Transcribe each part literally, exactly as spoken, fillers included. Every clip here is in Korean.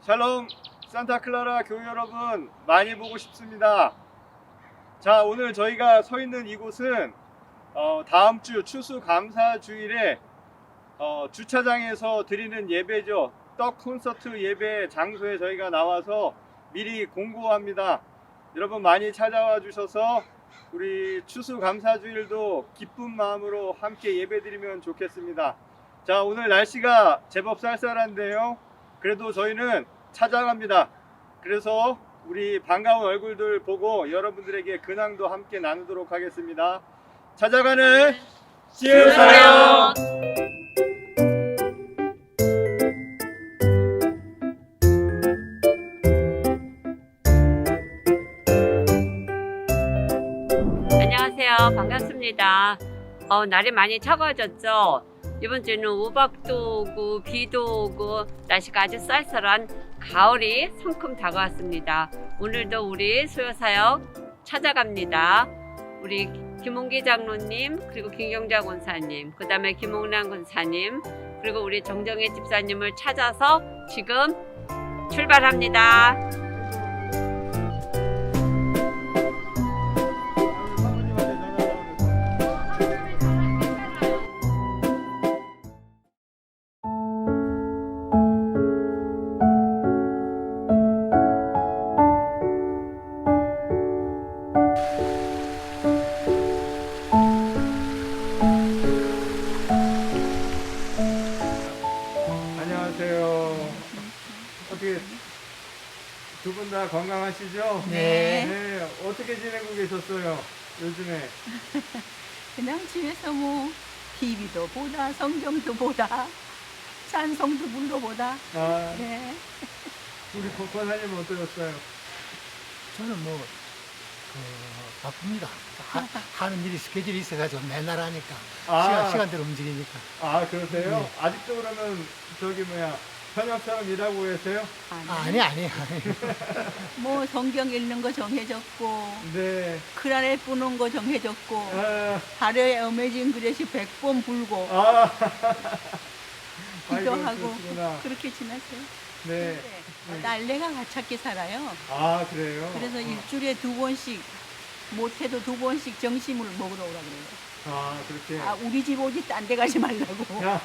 샬롬 산타클라라 교회 여러분, 많이 보고 싶습니다. 자, 오늘 저희가 서 있는 이곳은 어, 다음 주 추수감사주일에 어, 주차장에서 드리는 예배죠. 떡 콘서트 예배 장소에 저희가 나와서 미리 공고합니다. 여러분 많이 찾아와 주셔서 우리 추수감사주일도 기쁜 마음으로 함께 예배드리면 좋겠습니다. 자, 오늘 날씨가 제법 쌀쌀한데요, 그래도 저희는 찾아갑니다. 그래서 우리 반가운 얼굴들 보고 여러분들에게 근황도 함께 나누도록 하겠습니다. 찾아가는 시우사요. 안녕하세요. 반갑습니다. 어, 날이 많이 차가워졌죠. 이번 주는 우박도 오고 비도 오고 날씨가 아주 쌀쌀한 가을이 성큼 다가왔습니다. 오늘도 우리 수요사역 찾아갑니다. 우리 김홍기 장로님, 그리고 김경자 권사님, 그 다음에 김홍란 권사님, 그리고 우리 정정혜 집사님을 찾아서 지금 출발합니다. 안녕하세요. 어떻게 두 분 다 건강하시죠? 네. 네. 어떻게 지내고 계셨어요? 요즘에? 그냥 집에서 뭐 티비도 보다 성경도 보다 찬송도 불러보다. 아, 네. 우리 권사님은 어떠셨어요? 저는 뭐, 그, 바쁩니다. 하, 하는 일이 스케줄이 있어가지고 맨날 하니까. 아. 시간, 시간대로 움직이니까. 아, 그러세요? 네. 아직도 그러면 저기 뭐야 현역처럼 일하고 계세요? 아니, 아, 아니, 아니, 아니. 뭐 성경 읽는 거 정해졌고 네. 크라레 뿌는 거 정해졌고 아, 하루에 어메진 그릇이 백 번 불고 아. 아이고, 기도하고 그렇구나. 그렇게 지났어요. 네. 근데 딸내가 가깝게 살아요. 아, 그래요? 그래서 어. 일주일에 두 번씩 못해도 두 번씩 점심을 먹으러 오라 그래요. 아, 그렇게. 아, 우리 집 오지 딴 데 가지 말라고. 야,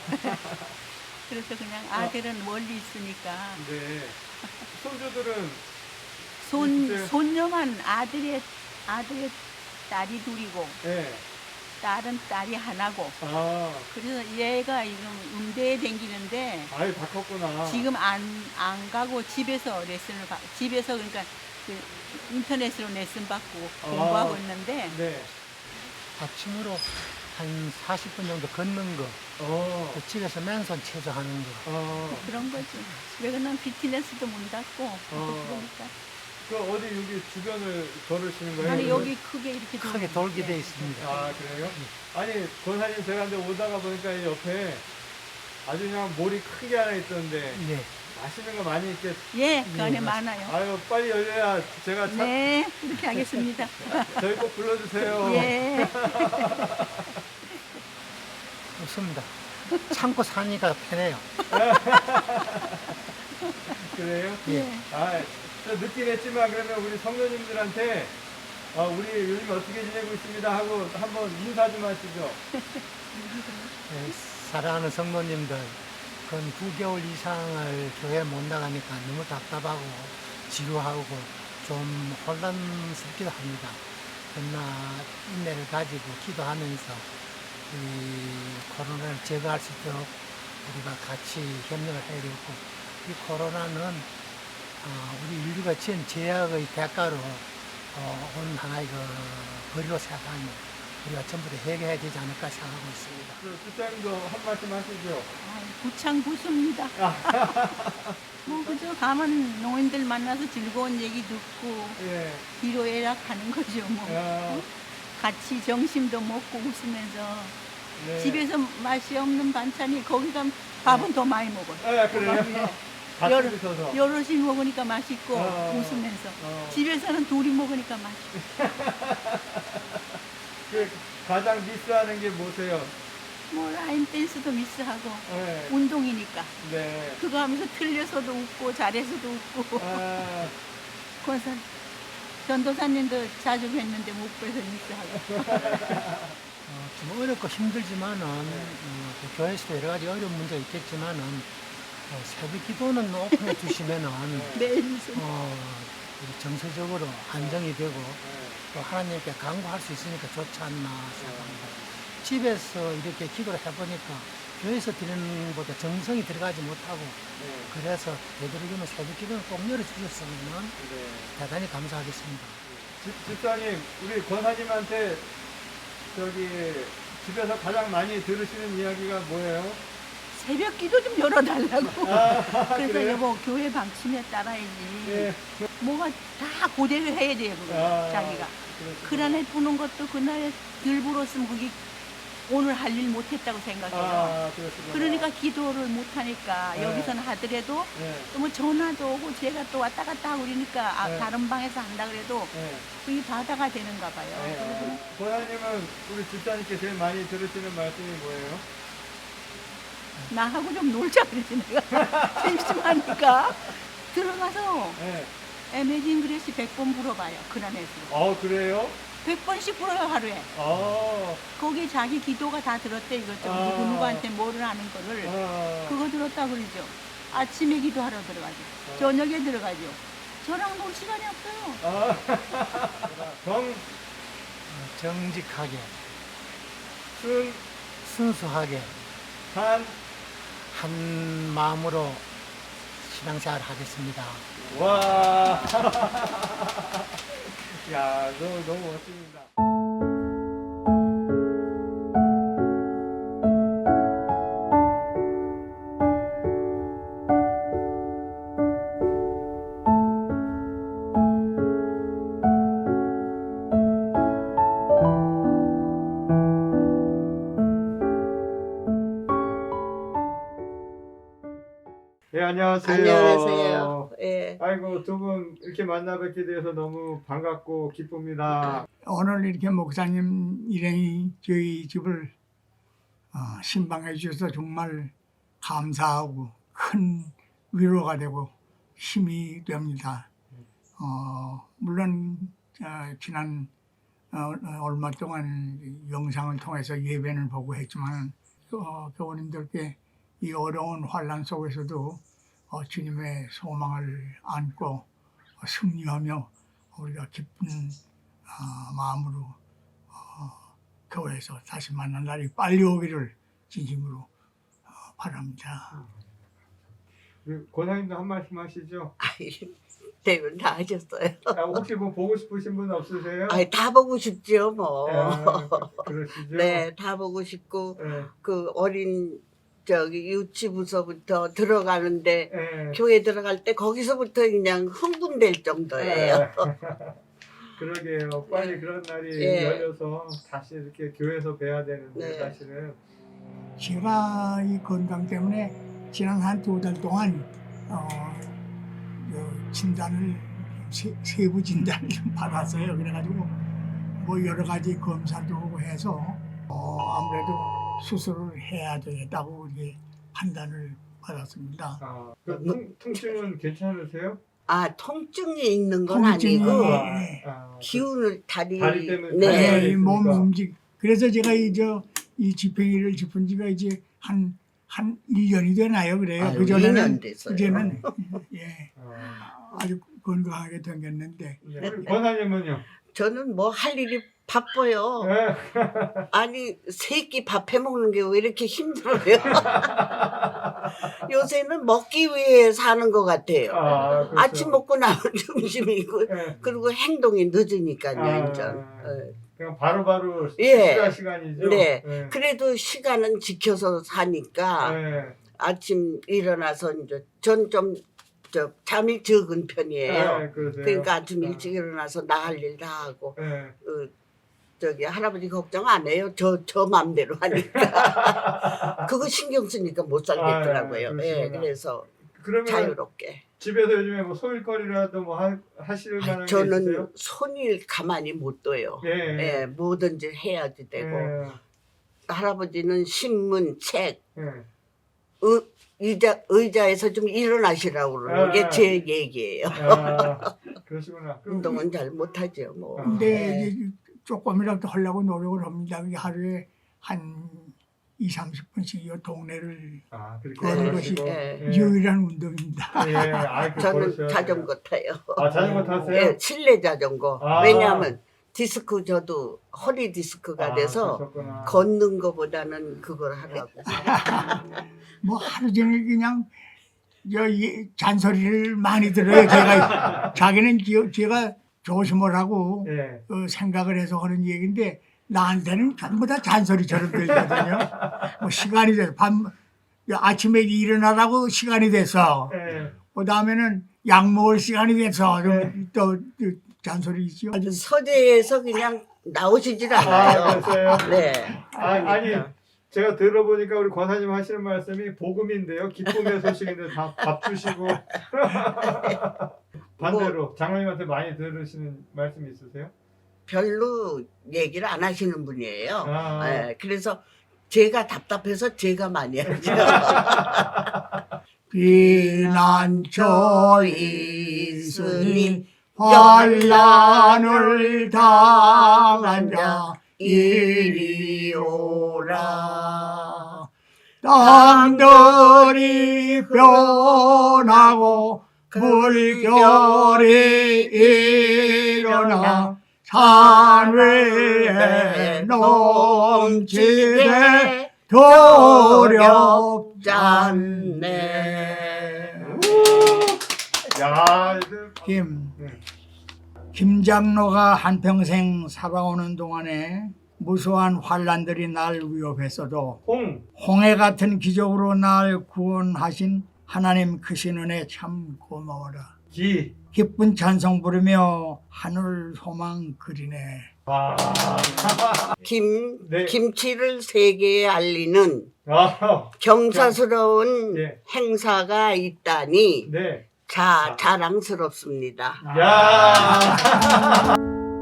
그래서 그냥 아들은 멀리 있으니까 네. 손주들은 손 있으세요? 손녀만 아들의 아들의 딸이 둘이고 네. 딸은 딸이 하나고. 아, 그래서 얘가 지금 음대에 다니는데 아유, 다 컸구나. 지금 안 안 가고 집에서 레슨을 받 집에서 그러니까 그 인터넷으로 레슨 받고 아. 공부하고 있는데 네. 아침으로 한 사십 분 정도 걷는 거, 어, 또 집에서 맨손 체조 하는 거. 어. 그런 거지. 왜냐면 피트니스도 문 닫고 어. 그러니까. 그 어디 여기 주변을 걸으시는 거예요? 아니 그러면? 여기 크게 이렇게 크게 돌리는데. 돌게 돼 있습니다. 아, 그래요? 아니, 권사님 제가 근데 오다가 보니까 이 옆에 아주 그냥 몰이 크게 하나 있던데 네. 맛있는 거 많이 있겠. 예, 그 안에 네, 많아요. 아유, 빨리 열려야 제가 차, 네, 그렇게 하겠습니다. 저희 꼭 불러주세요. 예. 좋습니다. 참고 사니까 편해요. 그래요? 예. 아, 저 늦긴 했지만 그러면 우리 성도님들한테 어, 우리 요즘 어떻게 지내고 있습니다 하고 한번 인사 좀 하시죠. 네, 사랑하는 성도님들, 근 구 개월 이상을 교회 못 나가니까 너무 답답하고 지루하고 좀 혼란스럽기도 합니다. 그러나 인내를 가지고 기도하면서 이 코로나를 제거할 수 있도록 우리가 같이 협력을 해야 되고, 이 코로나는 어, 우리 인류가 지은 제약의 대가로 어, 온 하나의 그 거리로 생각하면 우리가 전부 다 해결해야 되지 않을까 생각하고 있습니다. 주장님도 한 말씀 하시죠. 아이, 부창 부수입니다. 뭐 그저 가만 노인들 만나서 즐거운 얘기 듣고 예. 기도해락하는 거죠. 뭐 야, 같이 점심도 먹고 웃으면서 네. 집에서 맛이 없는 반찬이 거기 가면 밥은 더 많이 먹어요. 예, 그래요? 예. 같이 여러- 드셔서. 여럿이 먹으니까 맛있고 어, 웃으면서 어. 집에서는 둘이 먹으니까 맛있고. 그 가장 미스하는 게 뭐세요? 뭐 라인 댄스도 미스하고 네. 운동이니까 네. 그거 하면서 틀려서도 웃고 잘해서도 웃고 아, 그래서 전도사님도 자주 뵀는데 못 뵈서 미스하고 어, 좀 어렵고 힘들지만은 어, 또 교회에서도 여러 가지 어려운 문제가 있겠지만은 어, 새벽 기도는 오픈해 주시면은 매일 무슨 어, 우리 정서적으로 안정이 되고 네. 또 하나님께 간구할 수 있으니까 좋지 않나 생각합니다. 집에서 이렇게 기도를 해보니까 교회에서 드리는 것보다 정성이 들어가지 못하고 네. 그래서 되도록이면 새벽 기도는 꼭 열어주셨으면 네. 대단히 감사하겠습니다. 집, 집사님, 우리 권사님한테 저기 집에서 가장 많이 들으시는 이야기가 뭐예요? 새벽 기도 좀 열어달라고 아, 그래서 그래요? 여보 교회 방침에 따라야지 네. 뭐가 다 고대를 해야 돼요 그거 아, 자기가 그렇구나. 그란에 부는 것도 그날 덜 불었으면 그게 오늘 할 일 못했다고 생각해요. 아, 그렇구나. 그러니까 기도를 못하니까 네. 여기서는 하더라도 네. 또 뭐 전화도 오고 제가 또 왔다 갔다 하고 그러니까 아, 네. 다른 방에서 한다 그래도 네. 그게 바다가 되는가 봐요. 네. 그래서 어, 권사님은 우리 집사님께 제일 많이 들으시는 말씀이 뭐예요? 나하고 좀 놀자 그러지 내가 심심하니까 들어가서 네. 에메진 그레시 백 번 불어봐요. 그란에서 어, 그래요? 백 번씩 불어요 하루에. 아, 거기 자기 기도가 다 들었대 이것저것 아. 누구 누구한테 뭐를 하는 거를 아, 그거 들었다 그러죠. 아침에 기도하러 들어가죠. 아. 저녁에 들어가죠. 저랑 놀 시간이 없어요. 아, 정, 어, 정직하게 순, 순수하게 한, 한 마음으로 신앙생활 하겠습니다. 와. 야, 너무, 너무 멋집니다. 네, 안녕하세요. 안녕하세요. 예. 아이고, 두 분 이렇게 만나 뵙게 돼서 너무 반갑고 기쁩니다. 오늘 이렇게 목사님 일행이 저희 집을 어, 신방해 주셔서 정말 감사하고 큰 위로가 되고 힘이 됩니다. 어, 물론 어, 지난 어, 얼마 동안 영상을 통해서 예배는 보고 했지만 어, 교우님들께 이 어려운 환란 속에서도 어, 주님의 소망을 안고 어, 승리하며 우리가 기쁜 어, 마음으로 어, 교회에서 다시 만난 날이 빨리 오기를 진심으로 어, 바랍니다. 그 권사님도 한 말씀 하시죠. 아이, 대면 다 하셨어요. 아, 혹시 뭐 보고 싶으신 분 없으세요? 아이, 다 보고 싶죠, 뭐. 아, 그- 그러시죠? 네, 다 보고 싶고, 네. 그 어린, 저기, 유치부서부터 들어가는데, 네. 교회 들어갈 때 거기서부터 그냥 흥분될 정도예요. 네. 그러게요. 빨리 네. 그런 날이 예. 열려서 다시 이렇게 교회에서 뵈야 되는데 네. 사실은 제가 이 건강 때문에 지난 한 두 달 동안 어, 그 진단을 세, 세부 진단을 좀 받았어요. 그래가지고 뭐 여러 가지 검사도 하고 해서 어, 아무래도 수술을 해야 되겠다고 이렇게 판단을 받았습니다. 아, 그 통, 통증은 괜찮으세요? 아, 통증이 있는 건 통증이- 아니고, 네. 아, 그- 기운을 다리, 다리 때문에 네. 다리가 네, 몸 있으니까. 움직. 그래서 제가 이저 이 지팽이를 짚은 지가 이제 한 한 일 년이 되나요? 그래요. 아유, 그 이 년 전에는 됐어요. 그전에는 예 아, 아주 건강하게 생겼는데 네. 우리 권사님은요? 저는 뭐 할 일이 바빠요. 네. 아니, 세 끼 밥 해먹는 게 왜 이렇게 힘들어요? 요새는 먹기 위해 사는 것 같아요. 아, 그렇죠. 아침 먹고 나면 점심이고, 네. 그리고 행동이 늦으니까요, 아. 완전. 예. 그냥 바로바로 예. 식사 시간이죠. 네. 네. 그래도 시간은 지켜서 사니까 네. 아침 일어나서 이제 전 좀 저 잠이 적은 편이에요. 네, 그러세요. 그러니까 아침 아. 일찍 일어나서 나갈 일 다 하고 네. 어, 저기 할아버지 걱정 안 해요. 저 저 맘대로 하니까 그거 신경 쓰니까 못 살겠더라고요. 아, 예, 그러시구나. 그래서 그러면 자유롭게. 집에서 요즘에 뭐 소일거리라도 뭐 하, 하실 만한 게 저는 있으세요? 손일 가만히 못 둬요. 예. 예, 뭐든지 해야지 되고. 예. 할아버지는 신문, 책, 예. 의, 의자, 의자에서 좀 일어나시라고 그러는 아, 게 아. 제 얘기예요. 아, 그러시구나. 그럼 운동은 잘 못하죠. 뭐. 아. 근데 네. 이제 조금이라도 하려고 노력을 합니다. 그게 하루에 한 이삼십 분씩 이 동네를 아, 그렇게 그런 하시고. 것이, 예. 유일한 운동입니다. 예. 아, 그 저는 걸으셔야 자전거 타요. 돼요. 아, 자전거 타세요? 예, 실내 자전거. 아. 왜냐하면 디스크 저도 허리 디스크가 아, 돼서 그러셨구나. 걷는 거보다는 그걸 하라고. 뭐 하루 종일 그냥 저 이 잔소리를 많이 들어요. 제가 자기는 지- 제가 조심을 하고 예. 어, 생각을 해서 하는 얘기인데 나한테는 전부 다 잔소리처럼 들거든요. 뭐 시간이 돼서 밤 아침에 일어나라고 시간이 돼서 예. 그 다음에는 약 먹을 시간이 돼서 네. 또, 또 잔소리 있죠. 아주 서재에서 그냥 나오시질 아, 않아요. 그랬어요? 네. 아, 아니, 제가 들어보니까 우리 권사님 하시는 말씀이 복음인데요. 기쁨의 소식인데 다 밥 주시고. 반대로 장로님한테 많이 들으시는 말씀 있으세요? 별로 얘기를 안 하시는 분이에요. 아. 예, 그래서 제가 답답해서 제가 많이 하죠. 비난처 있으니 환란을 당한 자 이리 오라. 땅들이 변하고 물결이 일어나 산 위에 넘치되 도렵잖네. 야, 이제 김, 네. 김 장로가 한평생 살아오는 동안에 무수한 환란들이 날 위협했어도 홍. 홍해 같은 기적으로 날 구원하신 하나님 크신 은혜 참 고마워라. 기. 기쁜 찬송 부르며 하늘 소망 그리네. 아. 김, 네. 김치를 세계에 알리는 아. 경사스러운 예. 행사가 있다니 네. 자, 자랑스럽습니다. 야.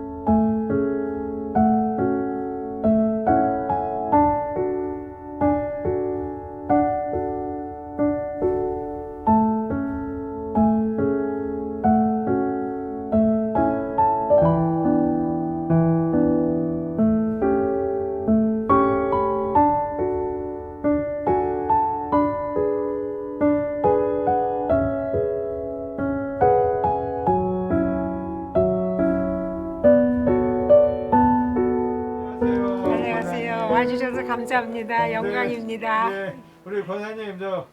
안녕하세요. 안녕하세요. 와주셔서 감사합니다. 영광입니다. 네, 네. 우리 권사님 저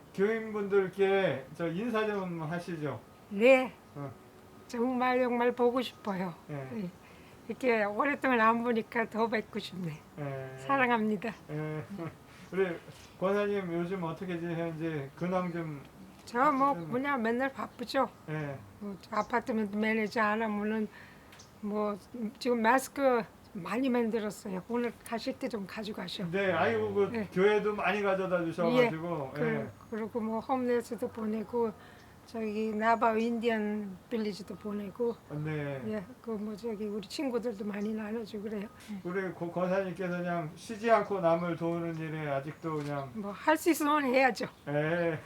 교인분들께 저 인사 좀 하시죠. 네. 어. 정말 정말 보고 싶어요. 네. 네. 이렇게 오랫동안 안 보니까 더 뵙고 싶네. 네. 사랑합니다. 네. 우리 권사님 요즘 어떻게 지내는지 근황 좀. 저 뭐 그냥 맨날 바쁘죠. 네. 뭐 아파트먼트 매니저 안 하면은 뭐 지금 마스크 많이 만들었어요. 오늘 가실 때 좀 가져가셔. 네, 아이고 그 네. 교회도 많이 가져다 주셔가지고. 그, 예. 그리고 뭐 홈레스도 보내고 저기 나바 인디언 빌리지도 보내고 네. 예, 그 뭐 저기 우리 친구들도 많이 나눠주고 그래요. 우리 고- 권사님께서 그냥 쉬지 않고 남을 도우는 일에 아직도 그냥. 뭐 할 수 있으면 해야죠. 예.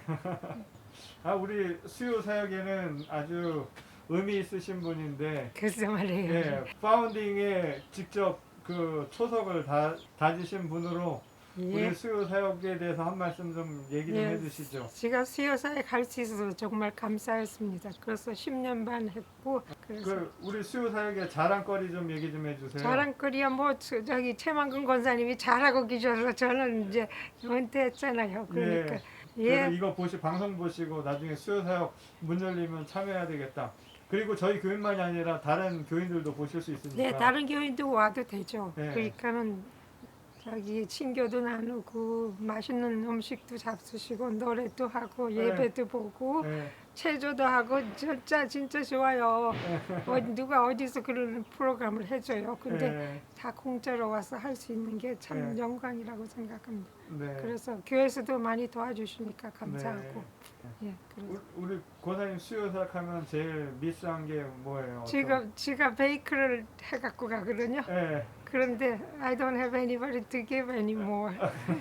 아 우리 수요 사역에는 아주 의미 있으신 분인데. 글쎄 말이에요. 예, 파운딩에 직접 그 초석을 다 다지신 분으로 예. 우리 수요 사역에 대해서 한 말씀 좀 얘기 좀 예. 해주시죠. 제가 수요사에 갈 수 있어서 정말 감사했습니다. 그래서 십 년 반 했고 그래서 그 우리 수요 사역의 자랑거리 좀 얘기 좀 해주세요. 자랑거리야 뭐 저- 저기 최만근 권사님이 잘하고 계셔서 저는 이제 은퇴했잖아요. 그러니까 예. 예. 그래서 이거 보시 방송 보시고 나중에 수요 사역 문 열리면 참여해야 되겠다. 그리고 저희 교인만이 아니라 다른 교인들도 보실 수 있으니까. 네, 다른 교인도 와도 되죠. 네. 그러니까는 자기 친교도 나누고 맛있는 음식도 잡수시고 노래도 하고 네. 예배도 보고 예. 체조도 하고 진짜 진짜 좋아요. 어, 누가 어디서 그런 프로그램을 해줘요. 근데 예. 다 공짜로 와서 할 수 있는 게 참 네. 영광이라고 생각합니다. 네. 그래서 교회에서도 많이 도와주시니까 감사하고 네. 예, 그래서 우- 우리 권사님 수요 사역하면 제일 미스한 게 뭐예요? 지금 제가 베이크를 해갖고 가거든요. 예. 그런데 I don't have anybody to give anymore.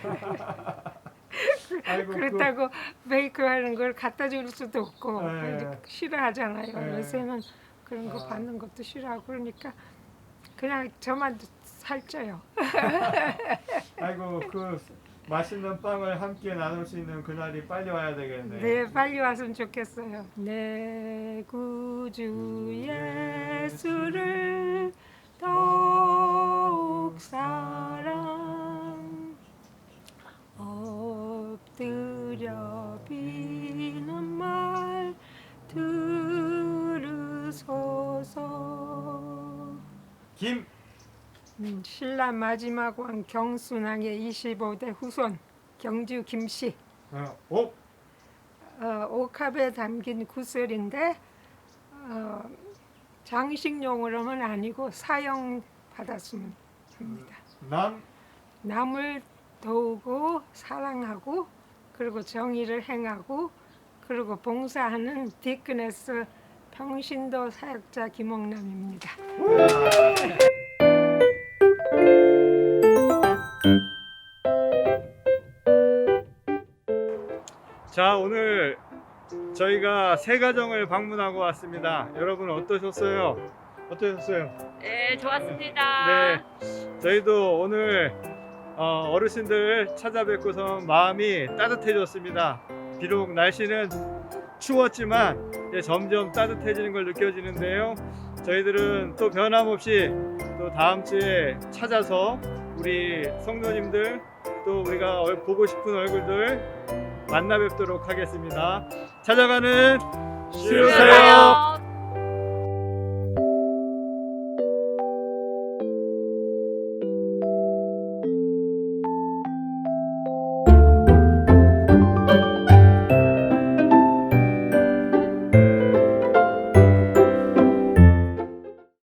아이고, 그렇다고 베이크하는 걸 갖다 줄 수도 없고 네. 이제 싫어하잖아요. 네. 요새는 그런 거 아. 받는 것도 싫어하고 그러니까 그냥 저만 살쪄요. 아이고 그 맛있는 빵을 함께 나눌 수 있는 그날이 빨리 와야 되겠네. 네, 빨리 왔으면 좋겠어요. 내 구주 예수를 더욱 사랑 엎드려 비는 말 들으소서. 김 음, 신라 마지막 왕 경순왕의 이십오 대 후손 경주 김씨. 어, 옥 어, 옥합에 담긴 구슬인데 어, 장식용으로는 아니고 사용 받았으면 합니다. 남 남을 도우고 사랑하고 그리고 정의를 행하고 그리고 봉사하는 디크네스 평신도 사역자 김옥남입니다. 자, 오늘 저희가 세 가정을 방문하고 왔습니다. 여러분 어떠셨어요? 어떠셨어요? 네, 좋았습니다. 네, 저희도 오늘 어, 어르신들 찾아뵙고서 마음이 따뜻해졌습니다. 비록 날씨는 추웠지만 이제 점점 따뜻해지는 걸 느껴지는데요. 저희들은 또 변함없이 또 다음 주에 찾아서 우리 성도님들 또 우리가 얼- 보고 싶은 얼굴들 만나 뵙도록 하겠습니다. 찾아가는 쉬우세요.